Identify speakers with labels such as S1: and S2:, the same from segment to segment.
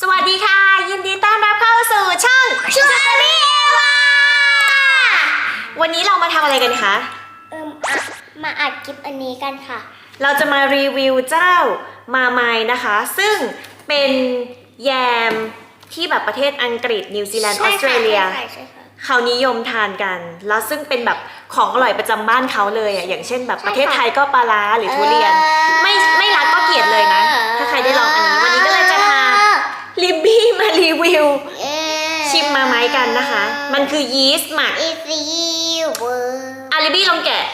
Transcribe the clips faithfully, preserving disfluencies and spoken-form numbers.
S1: สวัสดีค่ะยินดีต้อนรับเข้าสู่ช่องชวนรีวาวันนี้เรามาทำอะไรกันคะ
S2: เอิมอ่ะมาอัดคลิปอันนี้กันค่ะ
S1: เราจะมารีวิวเจ้ามาไมนะคะ ซึ่งเป็นแยมที่แบบประเทศอังกฤษนิวซีแลนด์ออสเตรเลียเขานิยมทานกันแล้วซึ่งเป็นแบบของอร่อยประจำบ้านเขาเลยอ่ะอย่างเช่นแบบประเทศไทยก็ปลาร้าหรือทุเรียนไม่ไม่รักก็เกลียดเลยนะถ้าใครได้ลองอันนี้วันนี้ก็เลยจะพาลิบบี้มารีวิวชิมมาไม้กันนะคะมันคือยีสต์หมักอาลิบบี้ลองแกะ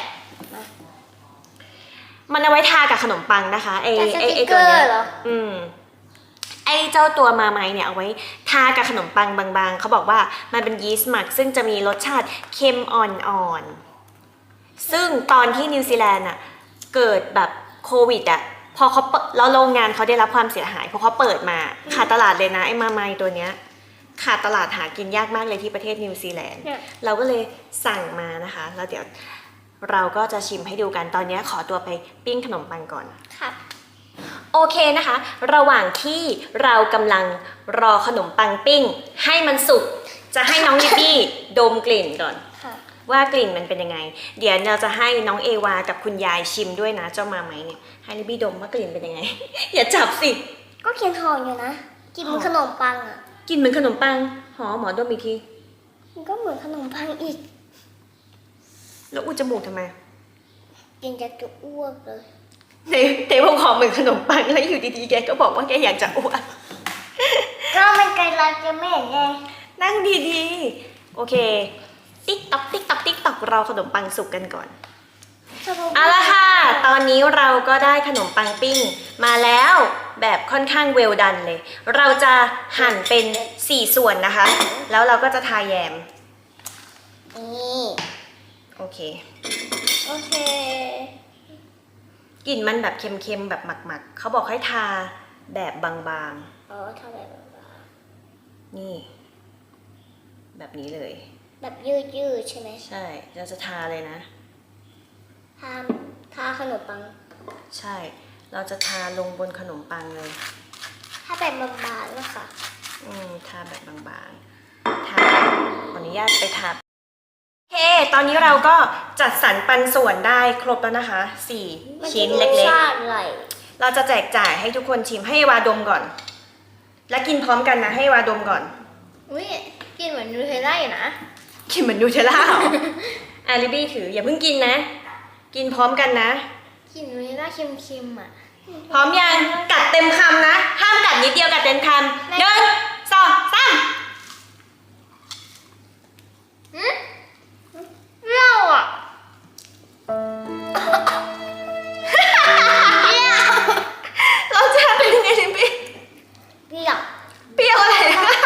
S1: มันเอาไว้ทากับขนมปังนะคะไอไอไอตัวเนี้ยอืมไอเจ้าตัวมาไม้เนี่ยเอาไว้ทากับขนมปังบางๆเขาบอกว่ามันเป็นยีสต์หมักซึ่งจะมีรสชาติเค็มอ่อนๆซึ่งตอนที่นิวซีแลนด์อ่ะเกิดแบบโควิดอ่ะพอเขาแล้วโรงงานเขาได้รับความเสียหายเพราะเขาเปิดมาขาดตลาดเลยนะไอ้มาไม้ตัวเนี้ยขาดตลาดหากินยากมากเลยที่ประเทศนิวซีแลนด์เราก็เลยสั่งมานะคะแล้วเดี๋ยวเราก็จะชิมให้ดูกันตอนนี้ขอตัวไปปิ้งขนมปังก่อน
S2: ครับ
S1: โอเคนะคะระหว่างที่เรากำลังรอขนมปังปิ้งให้มันสุกจะให้น้องลิบบี้ดมกลิ่นก่อนว่ากลิ่นมันเป็นยังไงเดี๋ยวเราจะให้น้องเอวากับคุณยายชิมด้วยนะเจ้ามาไหมเนี่ยให้ลิบบี้ดมว่ากลิ่นเป็นยังไง อย่าจับสิ
S2: ก็เคียนหอมอยู่นะกินเหมือนขนมปังอ่ะ
S1: กินเหมือนขนมปังหอมหมอดมอีกที
S2: มันก็เหมือนขนมปังอีก
S1: แล้วอุดจมูกทำไม
S2: กินจะจะอ้วกเลย
S1: ในในพวกหอมเหมือนขนมปังแล้วอยู่ดีๆแกก็บอกว่าแกอยากจะอ้วก
S2: ก็มันไกลเราจะไม่เห็นไง
S1: นั่งดีๆโอเคติ๊กต๊อกติ๊กต๊อกติ๊กต๊อกรอขนมปังสุกกันก่อนเอาละค่ะตอนนี้เราก็ได้ขนมปังปิ้งมาแล้วแบบค่อนข้างเวลดันเลยเราจะหั่นเป็นสี่ส่วนนะคะแล้วเราก็จะทาแยม
S2: นี่
S1: โอเค
S2: โอเค
S1: กลิ่นมันแบบเค็มๆแบบหมักๆเขาบอกให้ทาแบบบาง
S2: ๆอ๋อทาแบบบาง
S1: ๆนี่แบบนี้เลย
S2: แบบยืดๆใช่ไหม
S1: ใช่เราจะทาเลยนะ
S2: ทาทาขนมปัง
S1: ใช่เราจะทาลงบนขนมปังเลย
S2: ถ้าแบบบางๆนะคะ
S1: อืมทาแบบบางๆทาขออนุญาตไปทาโอเคตอนนี้เราก็จัดสรรปันส่วนได้ครบแล้วนะคะสี่ชิ้นเล็กๆเราจะแจกจ่ายให้ทุกคนชิมให้วาดมก่อนและกินพร้อมกันนะให้วาดมก่อน
S2: อุ้ยกินเหมือนนูเทลล่าอยู่นะ
S1: กินเหมือนนูเทลล่าเหรออาลิบี้ถืออย่าเพิ่งกินนะกินพร้อมกันนะ
S2: กินนูเทลล่าเค็มๆอ่ะ
S1: พร้อมยังกัดเต็มคำนะห้ามกัดนิดเดียวกัดเต็มคำหนึ่งสองสาม
S2: เปรี้ยวอ่ะ
S1: รสชาติเป็นยังไงลิบบี้
S2: เปรี้ยว
S1: เปรี้ยวอะไร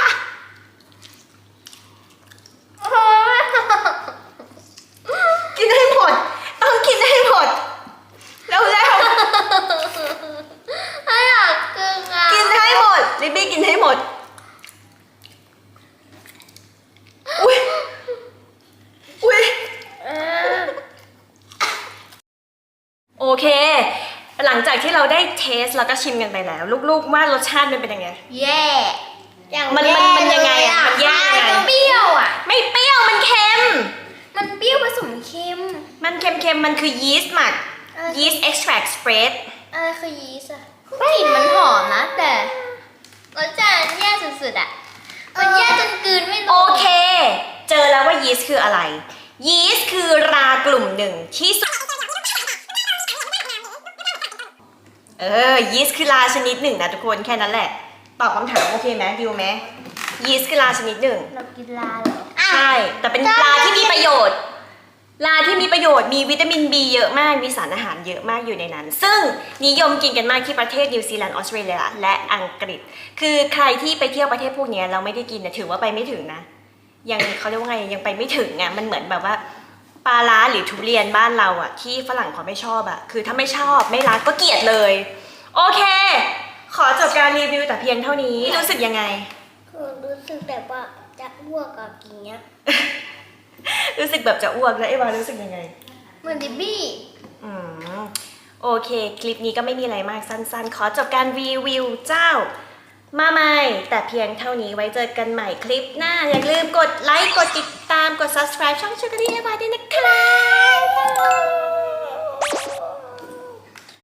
S1: กินให้หมดต้องกินให้หมดแล้วแล้ว
S2: ไม่อยากกินอ่ะ
S1: กินให้หมดลิบบี้กินให้หมดอุ้ยอุ้ยโอเคหลังจากที่เราได้เทสแล้วก็ชิมกันไปแล้วลูกๆว่ารสชาติมันเป็นยังไง
S2: แย่
S1: มันมันมันยังไงอ่ะมันแย่ยังไง
S2: เปรี้ยวอ่ะ
S1: ไม่เปรี้ยวมันเค็ม
S2: มันเปรี้ยวผสมเค็ม
S1: มันเค็มๆมันคือยีสต์หมักยีสต์เอ็กซ์แทรคสเปรด
S2: อะไรคือยีสต์อะกลิ่นมันหอมนะแต่รสชาติแย่สุดๆอ่ะมันแย่จนกลืนไม่ลง
S1: โอเคเจอแล้วว่ายีสต์คืออะไรยีสต์คือรากลุ่มหนึ่งที่เออยีสต์คือราชนิดหนึ่งนะทุกคนแค่นั้นแหละตอบคำถามโอเคไหมดิวไหมยีสต์คือราชนิดหนึ่ง
S2: เรากินลาเหรอ
S1: ใช่แต่เป็นลาที่มีประโยชน์ลาที่มีประโยชน์มีวิตามิน บี เยอะมากมีสารอาหารเยอะมากอยู่ในนั้นซึ่งนิยมกินกันมากที่ประเทศนิวซีแลนด์ออสเตรเลียและอังกฤษคือใครที่ไปเที่ยวประเทศพวกนี้เราไม่ได้กินนะถือว่าไปไม่ถึงนะยังเขาเรียกว่าไงยังไปไม่ถึงอ่ะมันเหมือนแบบว่าปลาร้าหรือทุเรียนบ้านเราอ่ะที่ฝรั่งเขาไม่ชอบอ่ะคือถ้าไม่ชอบไม่รักก็เกลียดเลยโอเคขอจบการรีวิวแต่เพียงเท่านี้รู้สึกยังไง
S2: คือรู้สึกแบบว่าจะอ้วกกับกินเนี้ย
S1: รู้สึกแบบจะอ้วกแล้วเอวารู้สึกยังไง
S2: เหมือนดิบบี้
S1: อืมโอเคคลิปนี้ก็ไม่มีอะไรมากสั้นๆขอจบการรีวิวเจ้ามาใหม่แต่เพียงเท่านี้ไว้เจอกันใหม่คลิปหน้า อย่าลืมกดไลค์กดติดตามกด subscribe ช่องชูการ์ดี้เอวาด้วยนะคะ